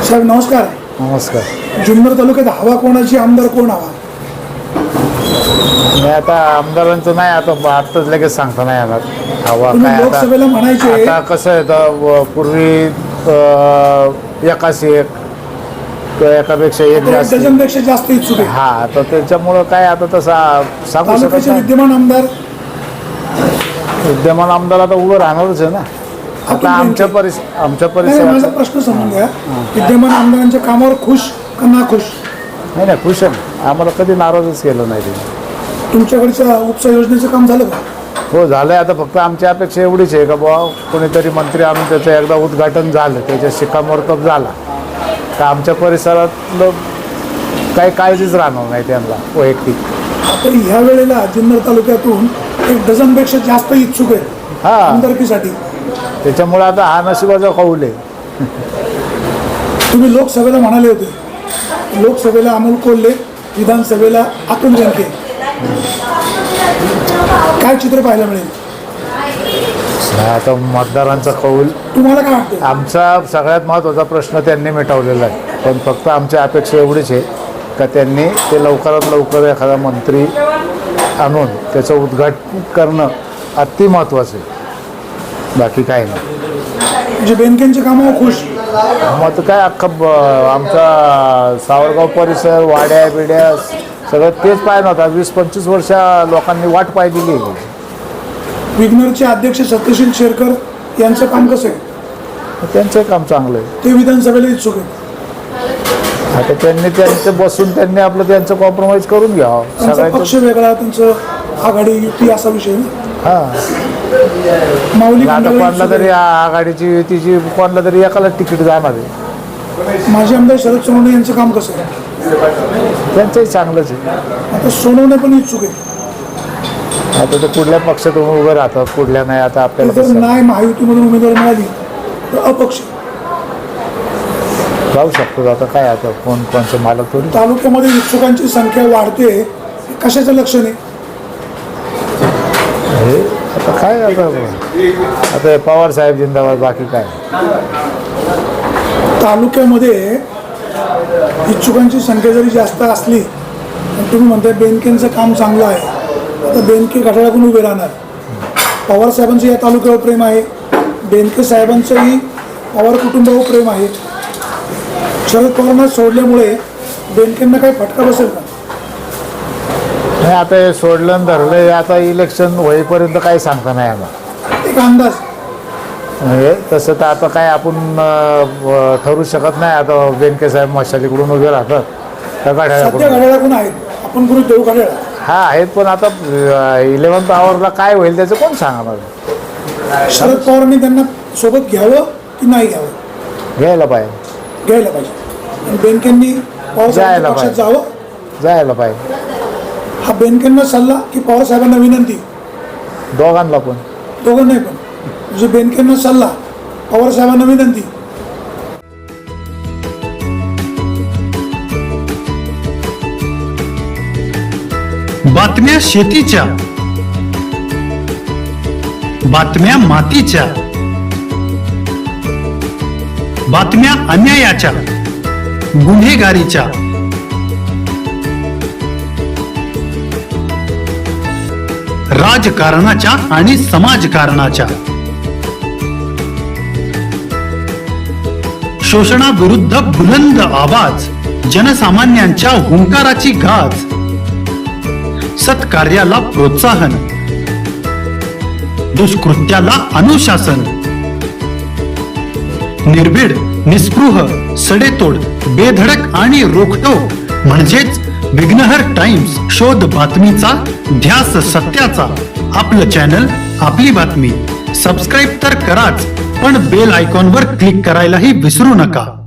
साहेब नमस्कार. नमस्कार. जुन्नर तालुक्यात हवा कोणाची, आमदार कोण हवा? मी आता आमदारांचं नाही, आताच लगेच सांगता नाही येणार हवा तुम्ही काय. लोकसभेला म्हणायचे आता कसं आहे तर पूर्वी एकाशी एक एकापेक्षा एक जास्त डझनपेक्षा जास्त इच्छुक आहे. हा, तर त्याच्यामुळं काय आता तसं सांगू शकत तालुक्याचे नाही. विद्यमान आमदार विद्यमान आमदार आता उभं राहणारच आहे ना. आता आमच्या माझा परिसरात प्रश्न समजून घ्या. विद्यमान आमदारांच्या कामावर खुश का नाखुश? नाही खुश आहे. आम्हाला कधी नाराजच केलं नाही ते. तुमच्याकडच्या उपसा योजनेचं काम झालं का? हो झालंय. आता फक्त आमची अपेक्षा एवढीच आहे का बुवा कोणीतरी मंत्री आणून त्याचं एकदा उद्घाटन झालं, त्याच्या शिक्कामोर्तब झाला तर आमच्या परिसरातलं काही काळजीच राहणार नाही त्यांना वैयक्तिक. तर ह्या वेळेला जुन्नर तालुक्यातून एक डझनपेक्षा जास्त इच्छुक आहेत हा, आमदारकीसाठी. त्याच्यामुळे आता हा नशिबाचा कौल आहे. तुम्ही लोकसभेला म्हणाले होते, लोकसभेला अमोल कोल्हे, विधानसभेला अतुल बेनके. काय चित्र पाहायला मिळेल? आता मतदारांचा कौल. तुम्हाला काय वाटतं? आमचा सगळ्यात महत्त्वाचा प्रश्न त्यांनी मिटवलेला आहे, पण फक्त आमची अपेक्षा एवढीच आहे का त्यांनी ते लवकरात लवकर एखादा मंत्री आणून त्याचं उद्घाटन करणं अति महत्त्वाचं आहे. बाकी काही नाही. म्हणजे बेनकेंच्या कामावर खुश? मग काय अख्खं आमचा सावरगाव परिसर, वाड्या बिड्या सगळं तेच पाहिजे होता. 20-25 वर्ष लोकांनी वाट पाहिलेली आहे. विग्नरचे अध्यक्ष सत्यशील शेरकर यांचं काम कसं आहे? त्यांचं काम चांगलं आहे. ते विधानसभेला इच्छुक आहेत. आता त्यांचं बसून त्यांनी आपलं त्यांचं कॉम्प्रोमाइज करून घ्यावं. त्यांचा पक्ष वेगळा, त्यांचं आघाडी युती असा विषय ना. हां, माऊली आता मंडळी कोणाला तरी आघाडीची युतीची कोणाला तरी एकाला तिकीट जाणार आहे. माजी आमदार शरद सोनवणे यांचं काम कसं आहे? त्यांचंही चांगलंच आहे. आता सोनवणे पण इच्छुक आहे. आता ते कुठल्या पक्षातून उभं राहतात, कुठल्या नाही, आता आपल्याला जर कसं नाही महायुतीमधून उमेदवार मिळाली तर अपक्ष जाऊ शकतो. आता काय, आता कोणचे मालक थोडी. तालुक्यामध्ये इच्छुकांची संख्या वाढते, हे कशाचं लक्षण आहे? हे आता काय, आता पवार साहेब जिंदाबाद, बाकी काय. तालुक्यामध्ये इच्छुकांची संख्या जरी जास्त असली पण तुम्ही म्हणताय बेनकेंचं काम चांगलं आहे, आता बेनके घड्याळाकडून उभे राहणार. पवार साहेबांचं या तालुक्यावर प्रेम आहे, बेनके साहेबांचंही पवार कुटुंबावर प्रेम आहे. शरद पवारांना सोडल्यामुळे बेनकेंना काही फटका बसेल का? नाही, आता हे सोडलं आणि धरलं. आता इलेक्शन होईपर्यंत काही सांगता नाही आम्हाला. एक अंदाज म्हणजे तसं तर आता काय आपण ठरवू शकत नाही. आता बेनके साहेब मशालीकडून उभे राहतात त्या सध्या गाड्या. घड्याळाकडून आहेत, आपण गुरु देऊ घड्याळा. हा आहेत, पण आता 11th आवरला काय होईल त्याचं कोण सांगणार. शरद पवारांनी त्यांना सोबत घ्यावं की नाही घ्यावं? घ्यायला पाहिजे. घ्यायला पाहिजे. आणि बेनकेंनी पवारसाहेबांच्या पक्षात जावं. जायला पाहिजे. हा बेनकेंना सल्ला की पवार साहेबांना विनंती? दोघांना पण. दोघांनाही पण. म्हणजे बेनकेंना सल्ला, पवार साहेबांना विनंती. बातम्या शेतीच्या, बातम्या मातीच्या, बातम्या अन्यायाच्या, गुन्हेगारीच्या, राजकारणाच्या आणि समाजकारणाच्या, शोषणाविरुद्ध बुलंद आवाज, जनसामान्यांच्या हुंकाराची गाज, सत्कार्याला प्रोत्साहन, दुष्कृत्याला अनुशासन, निर्भीड, निस्पृह, सडेतोड, बेधडक आणि रोखटोक म्हणजेच विघ्नहर टाइम्स. शोध बातमीचा, ध्यास सत्याचा. आपलं चॅनल, आपली बातमी. सबस्क्राईब तर कराच, पण बेल आयकॉनवर क्लिक करायलाही विसरू नका.